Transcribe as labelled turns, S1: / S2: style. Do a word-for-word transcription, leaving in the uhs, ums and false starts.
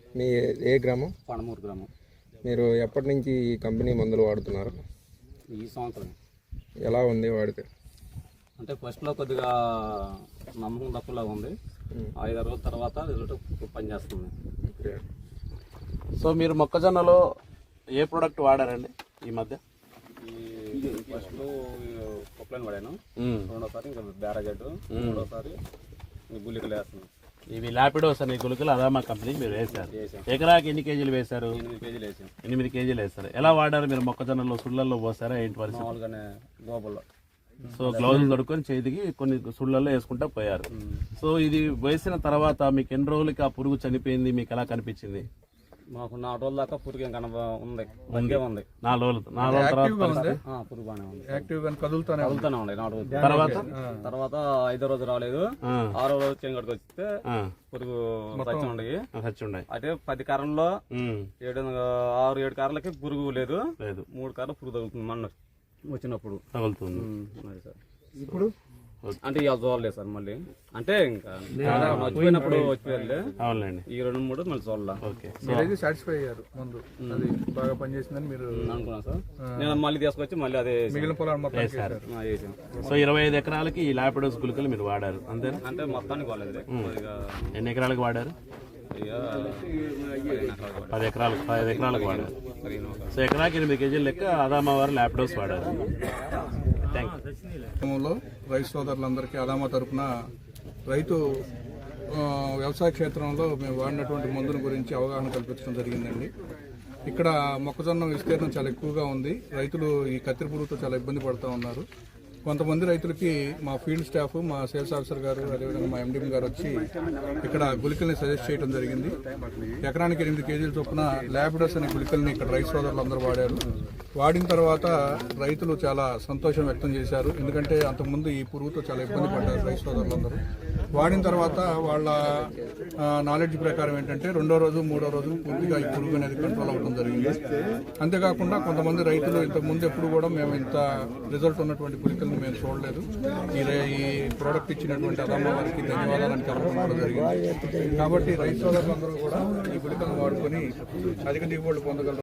S1: మీ ఏ గ్రామం?
S2: పడమూరు గ్రామం.
S1: మీరు ఎప్పటి నుంచి ఈ కంపెనీ మందులు వాడుతున్నారు?
S2: ఈ సంవత్సరం.
S1: ఎలా ఉంది వాడితే?
S2: అంటే ఫస్ట్లో కొద్దిగా నమ్మకం తక్కువలాగా ఉంది. ఐదు రోజుల తర్వాత రిజల్ట్ పనిచేస్తుంది.
S3: సో మీరు మొక్కజొన్నలో ఏ ప్రోడక్ట్ వాడారండి ఈ మధ్య?
S2: ఈ ఫస్ట్లో కొప్లైన్ వాడాను, రెండోసారి ఇంకా బ్యారాజెడ్, మూడోసారి గుళికలు వేస్తున్నాను.
S3: ఇవి లాపిడోస్ అనే గుళికలు అదామా కంపెనీ మీరు వేశారు. ఎకరాకి ఎన్ని కేజీలు వేశారు?
S2: ఎనిమిది కేజీలు వేసాం.
S3: ఎనిమిది కేజీలు వేస్తారు. ఎలా వాడారు మీరు? మొక్కజొన్నలో సుళ్ళల్లో పోసారా ఏంటి పరిస్థితి?
S2: మామూలుగానే గోబల్లో.
S3: సో గ్లౌజులు దొరుకుని చేతికి కొన్ని సుళ్ళల్లో వేసుకుంటా పోయారు. సో ఇది వేసిన తర్వాత మీకు ఎన్ని రోజులకి ఆ పురుగు చనిపోయింది? మీకు ఎలా కనిపించింది?
S2: మాకు నాలుగు రోజుల దాకా పురుగు ఏం కనబ ఉంది మందే ఉంది.
S3: నాలుగు రోజులు నాలుగు రోజుల తర్వాత
S2: పురుగు బాగానే ఉంది,
S4: కదులుతానే
S2: కదులుతూనే ఉంది. నాలుగు రోజులు
S3: తర్వాత
S2: తర్వాత ఐదో రోజు రాలేదు, ఆరో రోజు చెంగడికి వస్తే పురుగు సచ్చి ఉండయి. అయితే పది కారంలో ఏడు ఆరు ఏడు కార్లకి పురుగు లేదు లేదు మూడు కార్లు పురుగు తగులుతుంది. మన వచ్చినప్పుడు
S3: తగులుతుంది.
S4: ఇప్పుడు
S2: అంటే ఇవాళ చూడలేదు సార్. మళ్ళీ అంటే ఇంకా వచ్చిపోయినప్పుడు వచ్చిపోయారులే.
S3: అవునండి.
S2: ఈ రెండు మూడు మళ్ళీ చూడాలి.
S3: ఓకే,
S4: సాటిస్ఫై అయ్యారు ముందు అది బాగా పనిచేసిందని మీరు
S2: అనుకున్నాను సార్. నేను మళ్ళీ తీసుకొచ్చి మళ్ళీ అదే
S4: మిగిలిన పొలాలు మొత్తం
S2: వేసాను.
S3: సో ఇరవై ఐదు ఎకరాలకి ఈ లాపిడోస్ గుళికలు మీరు వాడారు అంతేనా?
S2: అంటే మొత్తానికి వాళ్ళది.
S3: ఎన్ని ఎకరాలకు వాడారు? పది ఎకరాలకు పది ఎకరాలకు వాడారు. సో ఎకరాకి ఎనిమిది కేజీల లెక్క అదామా వారు లాపిడోస్ వాడారు. Thank
S4: you. రైతు సోదరులందరికీ అదామా తరఫున రైతు వ్యవసాయ క్షేత్రంలో మేము వాడినటువంటి మందుల గురించి అవగాహన కల్పించడం జరిగిందండి. ఇక్కడ మొక్కజొన్న విస్తీర్ణం చాలా ఎక్కువగా ఉంది. రైతులు ఈ కత్తిరి పురుగుతో చాలా ఇబ్బంది పడుతూ ఉన్నారు. కొంతమంది రైతులకి మా ఫీల్డ్ స్టాఫ్, మా సేల్స్ ఆఫీసర్ గారు, అదేవిధంగా మా ఎండిఎం గారు వచ్చి ఇక్కడ గుళికల్ని సజెస్ట్ చేయడం జరిగింది. ఎకరానికి ఎనిమిది కేజీల చొప్పున లాపిడోస్ అనే గుళికల్ని ఇక్కడ రైతు సోదరులు అందరూ వాడారు. వాడిన తర్వాత రైతులు చాలా సంతోషం వ్యక్తం చేశారు. ఎందుకంటే అంతకుముందు ఈ పురుగుతో చాలా ఇబ్బంది పడ్డారు రైతు సోదరులందరూ. వాడిన తర్వాత వాళ్ళ నాలెడ్జ్ ప్రకారం ఏంటంటే రెండో రోజు మూడో రోజు పూర్తిగా ఈ పురుగు అనేది కంట్రోల్ అవ్వడం జరిగింది. అంతేకాకుండా కొంతమంది రైతులు ఇంతకుముందు ఎప్పుడు కూడా మేము ఇంత రిజల్ట్ ఉన్నటువంటి గుళికల్ని మేము చూడలేదు. ఈ ఈ ప్రోడక్ట్ ఇచ్చినటువంటి అదామా వారికి ధన్యవాదాలను తెలపడం జరిగింది. కాబట్టి రైతు సోదరులందరూ కూడా ఈ గుళికలను వాడుకొని అధిక దిగుబడులు పొందగలరు.